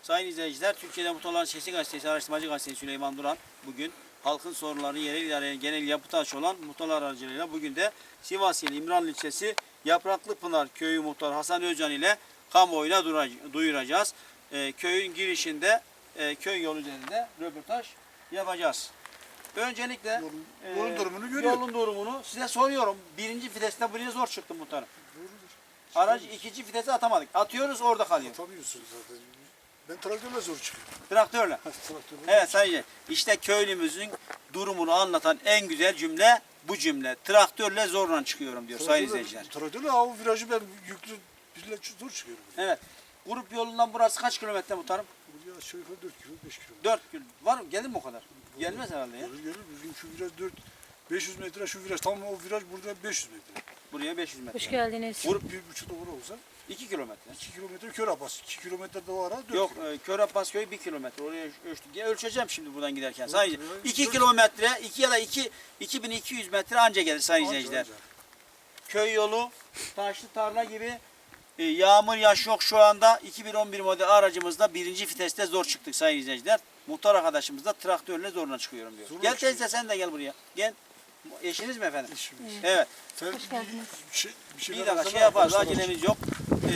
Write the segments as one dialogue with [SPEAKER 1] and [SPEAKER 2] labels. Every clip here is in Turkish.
[SPEAKER 1] Sayın izleyiciler, Türkiye'de Muhtarların Sesi Gazetesi, Araştırmacı Gazetesi Süleyman Duran bugün halkın sorunlarını yerel idareye genel yapı taşı olan muhtarlar aracılığıyla bugün de Sivas ili İmranlı ilçesi Yapraklıpınar Köyü Muhtarı Hasan Özcan ile kamuoyuna duyuracağız. Köyün girişinde köy yolu üzerinde röportaj yapacağız. Öncelikle
[SPEAKER 2] yolun durumunu görüyorum.
[SPEAKER 1] Yolun durumunu size soruyorum. Birinci viteste buraya zor çıktı muhtarım. Aracı ikinci vitese atamadık. Atıyoruz orada kalıyor.
[SPEAKER 2] Atamıyorsunuz zaten. Ben traktörle zor çıkıyorum.
[SPEAKER 1] Traktörle. Evet sayın. İşte köylümüzün durumunu anlatan en güzel cümle bu cümle. Traktörle zorla çıkıyorum diyor sayın izleyiciler.
[SPEAKER 2] Traktörle o virajı ben yüklü birle zor çıkıyorum.
[SPEAKER 1] Evet. Grup yolundan burası kaç kilometre muhtarım?
[SPEAKER 2] Buraya aşağı yukarı 4 kilo 5 kilo.
[SPEAKER 1] 4 kilo. Var mı? Gelir mi o kadar? Gelmez herhalde ya.
[SPEAKER 2] Gelir bizim şu viraj 500 metre şu viraj tam o viraj burada 500 metre.
[SPEAKER 1] Buraya 500 metre.
[SPEAKER 3] Hoş geldiniz.
[SPEAKER 1] Grup
[SPEAKER 2] 1,5 doğru olsa
[SPEAKER 1] 2 kilometre.
[SPEAKER 2] 2 kilometre kör apas. 2 kilometre de o ara 4
[SPEAKER 1] Yok,
[SPEAKER 2] kilo.
[SPEAKER 1] Kör Abbas köyü 1 kilometre. Oraya ölçtük. Ölçeceğim şimdi buradan giderken. Sayın
[SPEAKER 2] Evet,
[SPEAKER 1] 2
[SPEAKER 2] dört-
[SPEAKER 1] kilometre, 2 ya da 2200 metre anca gelir sayın izleyiciler.
[SPEAKER 2] Anca.
[SPEAKER 1] Köy yolu, taşlı tarla gibi yağmur yaş yok şu anda. 2011 model aracımızda birinci viteste zor çıktık sayın izleyiciler. Muhtar arkadaşımız da traktörle zorla çıkıyorum diyor.
[SPEAKER 2] Zorla
[SPEAKER 1] Gel
[SPEAKER 2] çıkıyor.
[SPEAKER 1] teyze sen de gel buraya. Gel. Eşiniz mi efendim?
[SPEAKER 2] İşimiz.
[SPEAKER 1] Evet.
[SPEAKER 2] Sen
[SPEAKER 3] Hoş geldiniz.
[SPEAKER 1] Bir dakika şey yaparız. Acelemiz yok.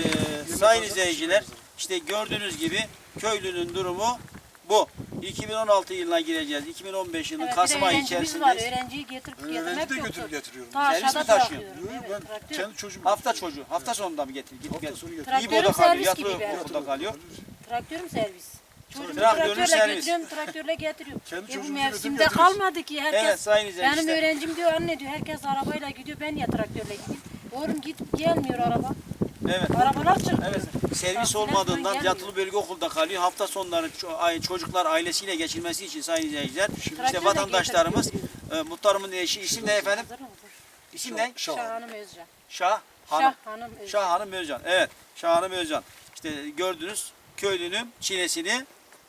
[SPEAKER 1] Sayın izleyiciler işte gördüğünüz gibi köylünün durumu bu. 2016 yılına gireceğiz. 2015 yılının Kasım ayı içerisindeyiz.
[SPEAKER 3] Öğrenciyi getirip
[SPEAKER 2] Öğrenci
[SPEAKER 3] getirmek
[SPEAKER 2] de
[SPEAKER 3] yoktu.
[SPEAKER 2] götürüp getiriyorum.
[SPEAKER 3] Ta
[SPEAKER 1] Servis mi
[SPEAKER 3] aşağıda
[SPEAKER 1] taşıyor?
[SPEAKER 3] bırakıyorum.
[SPEAKER 2] Yok,
[SPEAKER 3] Evet,
[SPEAKER 2] ben
[SPEAKER 3] traktör.
[SPEAKER 2] kendi çocuğum.
[SPEAKER 1] Hafta çocuğu. Hafta sonunda mı getirip gidip
[SPEAKER 2] Hafta
[SPEAKER 1] gel?
[SPEAKER 2] sonu getiriyorum.
[SPEAKER 1] İyi
[SPEAKER 3] Traktörün
[SPEAKER 1] boda kalıyor.
[SPEAKER 3] servis gibi
[SPEAKER 1] Yatıyor
[SPEAKER 3] ben.
[SPEAKER 1] boda kalıyor.
[SPEAKER 3] Traktörüm servis. Çocuğumu
[SPEAKER 1] Traktörün
[SPEAKER 3] traktörle
[SPEAKER 1] servis.
[SPEAKER 3] getiriyorum, traktörle getiriyorum.
[SPEAKER 2] Kendi
[SPEAKER 3] Bu
[SPEAKER 2] çocuğumuzu
[SPEAKER 3] mevsimde
[SPEAKER 2] götürüp
[SPEAKER 3] kalmadı ki
[SPEAKER 1] Evet
[SPEAKER 3] herkes.
[SPEAKER 1] sayın izleyiciler.
[SPEAKER 3] Benim öğrencim diyor anne diyor herkes arabayla gidiyor ben niye traktörle gideyim? Oğlum git gelmiyor araba.
[SPEAKER 1] Evet.
[SPEAKER 3] Arabalar çıkıyor.
[SPEAKER 1] Evet. Servis
[SPEAKER 3] Taksiler
[SPEAKER 1] olmadığından
[SPEAKER 3] falan
[SPEAKER 1] yatılı bölge okulda kalıyor. Hafta sonları çocuklar ailesiyle geçirmesi için sayın izleyiciler. İşte
[SPEAKER 3] Traktörle
[SPEAKER 1] vatandaşlarımız
[SPEAKER 3] getirip
[SPEAKER 1] muhtarımın eşi isim ne efendim?
[SPEAKER 3] Hazır mısın?
[SPEAKER 1] İsim ne?
[SPEAKER 3] Şah Hanım Özcan.
[SPEAKER 1] Şah Hanım.
[SPEAKER 3] Şah Hanım Özcan.
[SPEAKER 1] Şah Hanım Özcan. Evet. Şah Hanım Özcan. İşte gördünüz köylünün çilesini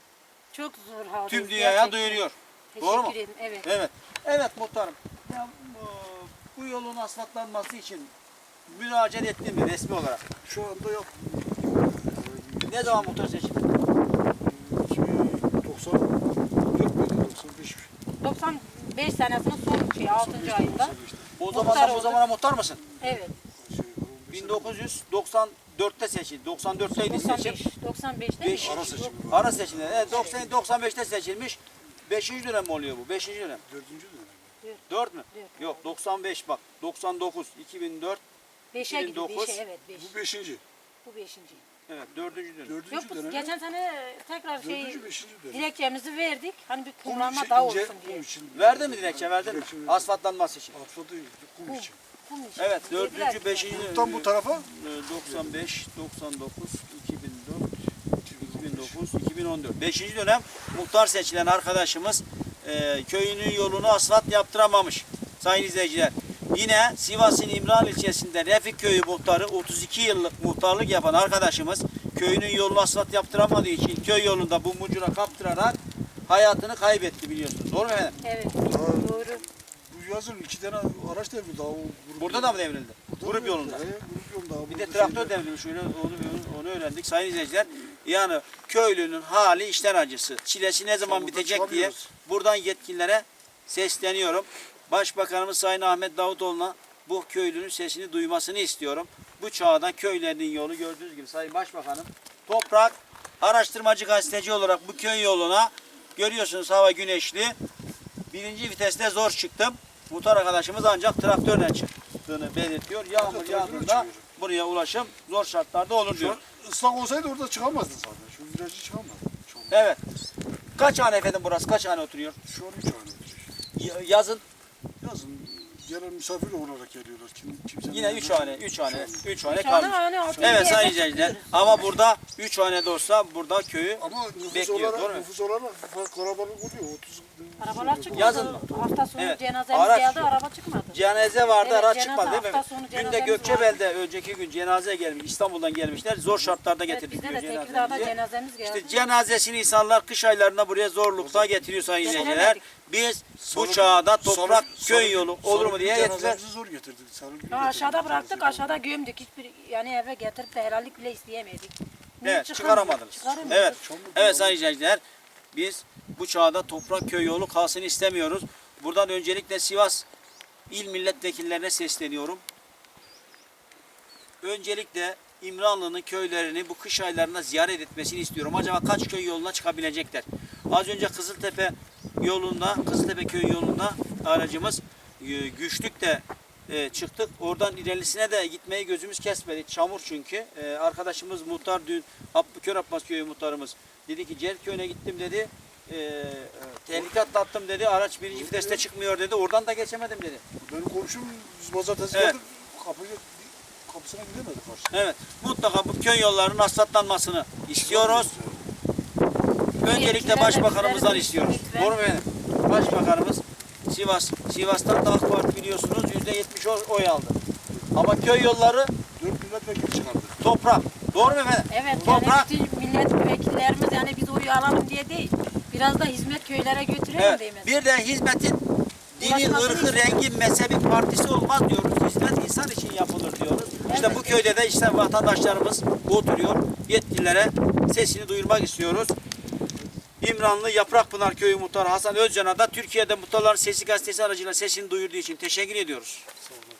[SPEAKER 3] Çok zor halde.
[SPEAKER 1] tüm dünyaya duyuruyor. Doğru mu?
[SPEAKER 3] Teşekkür ederim. Evet.
[SPEAKER 1] Evet. Evet muhtarım. Ya, bu yolun asfaltlanması için müracaat ettin mi resmi olarak?
[SPEAKER 2] Şu anda yok.
[SPEAKER 1] Ne zaman muhtar seçildi?
[SPEAKER 2] 94 müydü? 95 mi?
[SPEAKER 3] 95 senesinin son 6. ayında.
[SPEAKER 1] O
[SPEAKER 3] Muhtar
[SPEAKER 1] zamandan bu
[SPEAKER 3] oldu.
[SPEAKER 1] zamana muhtar mısın?
[SPEAKER 3] Evet.
[SPEAKER 1] 1994'te seçildi. 94'teydi seçim.
[SPEAKER 3] 95'te
[SPEAKER 1] Beş-
[SPEAKER 2] Ara seçim.
[SPEAKER 1] Ara seçimde. Evet 95'te seçilmiş. 5. dönem mi oluyor bu? 5. dönem.
[SPEAKER 2] 4. dönem.
[SPEAKER 1] 4 mü?
[SPEAKER 3] Dört.
[SPEAKER 1] Yok 95 bak. 99, 2004,
[SPEAKER 3] 5'e gidiyor.
[SPEAKER 1] 2009.
[SPEAKER 3] 5'e evet 5.
[SPEAKER 2] Bu 5.
[SPEAKER 3] Bu 5.
[SPEAKER 1] evet 4. dönem.
[SPEAKER 2] 4.
[SPEAKER 3] Yok bu
[SPEAKER 2] dönem.
[SPEAKER 3] geçen sene tekrar
[SPEAKER 2] 4. 5. dönem.
[SPEAKER 3] dilekçemizi verdik. Hani bir
[SPEAKER 2] Kum
[SPEAKER 3] kullanma
[SPEAKER 2] için
[SPEAKER 3] daha
[SPEAKER 2] ince,
[SPEAKER 3] olsun diye.
[SPEAKER 2] kum için.
[SPEAKER 1] Verdin mi dilekçe? Verdin mi?
[SPEAKER 2] Dilekçe verdim.
[SPEAKER 1] Asfaltlanması için.
[SPEAKER 2] Asfaltı kum için.
[SPEAKER 3] Kum için.
[SPEAKER 1] Evet
[SPEAKER 3] Dediler
[SPEAKER 1] 4.
[SPEAKER 3] ki,
[SPEAKER 1] 5.
[SPEAKER 2] Buradan bu tarafa
[SPEAKER 1] 95, 99, 2004, 2009, 2014. 5. dönem muhtar seçilen arkadaşımız köyünün yolunu asfalt yaptıramamış. Sayın izleyiciler. Yine Sivas'ın İmranlı ilçesinde Refik Köyü muhtarı 32 yıllık muhtarlık yapan arkadaşımız köyünün yolunu asfalt yaptıramadığı için köy yolunda bu mucura kaptırarak hayatını kaybetti biliyorsunuz. Doğru mu efendim?
[SPEAKER 3] Evet.
[SPEAKER 2] Aa.
[SPEAKER 3] Doğru.
[SPEAKER 2] bu yazın 2 tane araç devrildi. O grup
[SPEAKER 1] Burada da mı devrildi?
[SPEAKER 2] Burada
[SPEAKER 1] Grup
[SPEAKER 2] da
[SPEAKER 1] yolunda.
[SPEAKER 2] devrildi. Grup yolunda.
[SPEAKER 1] Bir de
[SPEAKER 2] Burada
[SPEAKER 1] traktör
[SPEAKER 2] şeyler-
[SPEAKER 1] devrilmiş öyle onu öğrendik sayın izleyiciler. Yani köylünün hali işten acısı. Çilesi ne zaman
[SPEAKER 2] Çamurda
[SPEAKER 1] bitecek diye
[SPEAKER 2] çıkamıyoruz.
[SPEAKER 1] buradan yetkililere sesleniyorum. Başbakanımız Sayın Ahmet Davutoğlu'na bu köylünün sesini duymasını istiyorum. Bu çağda köylerin yolu gördüğünüz gibi Sayın Başbakanım. Toprak araştırmacı gazeteci olarak bu köy yoluna görüyorsunuz hava güneşli. Birinci viteste zor çıktım. Muhtar arkadaşımız ancak traktörle çıktığını belirtiyor. Yağmur
[SPEAKER 2] Traktörle
[SPEAKER 1] yağdığında
[SPEAKER 2] çıkıyorum.
[SPEAKER 1] buraya ulaşım zor şartlarda olur
[SPEAKER 2] Şu
[SPEAKER 1] diyor.
[SPEAKER 2] an ıslak olsaydı orada çıkamazdın zaten. Şu virajı çıkamazdın. Şu an,
[SPEAKER 1] Evet. Kaç hane efendim burası? Kaç hane oturuyor?
[SPEAKER 2] şu an 3 hane oturuyor.
[SPEAKER 1] Yazın
[SPEAKER 2] Yazın gelen misafir olarak geliyorlar. Kimse
[SPEAKER 1] yine 3 hane, 3 hane, 3 hane
[SPEAKER 3] Dışarıda
[SPEAKER 1] kalmış.
[SPEAKER 3] hani altı
[SPEAKER 1] Evet
[SPEAKER 3] yedi
[SPEAKER 1] sayın
[SPEAKER 3] eve
[SPEAKER 1] izleyiciler.
[SPEAKER 3] çıkıyoruz.
[SPEAKER 1] Ama burada 3 hane de olsa burada köyü
[SPEAKER 2] Ama nüfus
[SPEAKER 1] bekliyor, doğru mu?
[SPEAKER 2] olarak, nüfus olarak kalabalık oluyor. 30
[SPEAKER 3] Arabalar çıkmadı.
[SPEAKER 1] Yazın.
[SPEAKER 3] Hafta sonu
[SPEAKER 1] Evet.
[SPEAKER 3] cenazemiz
[SPEAKER 1] Araç
[SPEAKER 3] geldi
[SPEAKER 1] yok.
[SPEAKER 3] araba çıkmadı.
[SPEAKER 1] cenaze vardı,
[SPEAKER 3] Evet,
[SPEAKER 1] araç
[SPEAKER 3] cenaze
[SPEAKER 1] çıkmadı değil mi?
[SPEAKER 3] hafta sonu
[SPEAKER 1] Dün de
[SPEAKER 3] cenazemiz
[SPEAKER 1] Gökçebel'de önceki gün cenaze gelmiş. İstanbul'dan gelmişler. Zor şartlarda
[SPEAKER 3] Evet,
[SPEAKER 1] getirdik
[SPEAKER 3] bizde
[SPEAKER 1] diyor
[SPEAKER 3] de Tekirdağ'da
[SPEAKER 1] cenazemizi.
[SPEAKER 3] cenazemiz geldi.
[SPEAKER 1] İşte cenazesini insanlar kış aylarında buraya zorlukla getiriyor sayın
[SPEAKER 3] Getiremedik.
[SPEAKER 1] izleyiciler. Biz bu
[SPEAKER 2] Salı-
[SPEAKER 1] çağda toprak
[SPEAKER 2] Salı-
[SPEAKER 1] köy
[SPEAKER 2] Salı-
[SPEAKER 1] yolu olur mu
[SPEAKER 2] Salı
[SPEAKER 1] diye
[SPEAKER 2] günü
[SPEAKER 1] getirdiler.
[SPEAKER 2] cenazemizi zor getirdik. Salı günü
[SPEAKER 3] Ha, aşağıda
[SPEAKER 2] getirdik.
[SPEAKER 3] bıraktık aşağıda gömdük. Hiçbir yani eve getirip de helallik bile isteyemedik. Niye
[SPEAKER 1] Evet,
[SPEAKER 3] çıkamıyor?
[SPEAKER 1] çıkaramadınız.
[SPEAKER 3] Çıkaramıyor.
[SPEAKER 1] Evet. Evet sayın izleyiciler. Biz bu çağda toprak köy yolu kalsın istemiyoruz. Buradan öncelikle Sivas İl Milletvekillerine sesleniyorum. Öncelikle İmranlı'nın köylerini bu kış aylarında ziyaret etmesini istiyorum. Acaba kaç köy yoluna çıkabilecekler? Az önce Kızıltepe köy yolunda aracımız Güçlük'te çıktık. Oradan ilerisine de gitmeyi gözümüz kesmedi. Çamur çünkü. Arkadaşımız muhtar dün Körabbas köyü muhtarımız dedi ki Cerköy'üne gittim dedi. Tehlike atlattım dedi. Araç birinci viteste çıkmıyor dedi. Oradan da geçemedim dedi.
[SPEAKER 2] Benim komşum biz pazartesi
[SPEAKER 1] Evet.
[SPEAKER 2] geldik. Kapısına gidemedik karşı.
[SPEAKER 1] Evet. Mutlaka bu köy yollarının asfaltlanmasını istiyoruz. Öncelikle başbakanımızdan istiyoruz.
[SPEAKER 3] Lütfen.
[SPEAKER 1] Doğru mu efendim? Başbakanımız Sivas'tan da AK Parti biliyorsunuz %70 oy aldı. Ama köy yolları
[SPEAKER 2] 4 milletvekili çıkardı.
[SPEAKER 1] toprak. Doğru mu efendim?
[SPEAKER 3] Evet,
[SPEAKER 1] Toprak.
[SPEAKER 3] yani bütün milletvekillerimiz yani biz oyu alalım diye değil. Biraz da hizmet köylere götürelim
[SPEAKER 1] Evet.
[SPEAKER 3] değil mi?
[SPEAKER 1] Bir de hizmetin dini,
[SPEAKER 3] Ulaşmasını
[SPEAKER 1] ırkı, rengi, mezhebi, partisi olmaz diyoruz. Hizmet insan için yapılır diyoruz. İşte
[SPEAKER 3] Evet.
[SPEAKER 1] bu köyde de işte vatandaşlarımız oturuyor. Yetkililere sesini duyurmak istiyoruz. İmranlı Yaprakpınar Köyü Muhtarı Hasan Özcan'a da Türkiye'de Muhtarların Sesi gazetesi aracılığıyla sesini duyurduğu için teşekkür ediyoruz.
[SPEAKER 2] Sağ olun.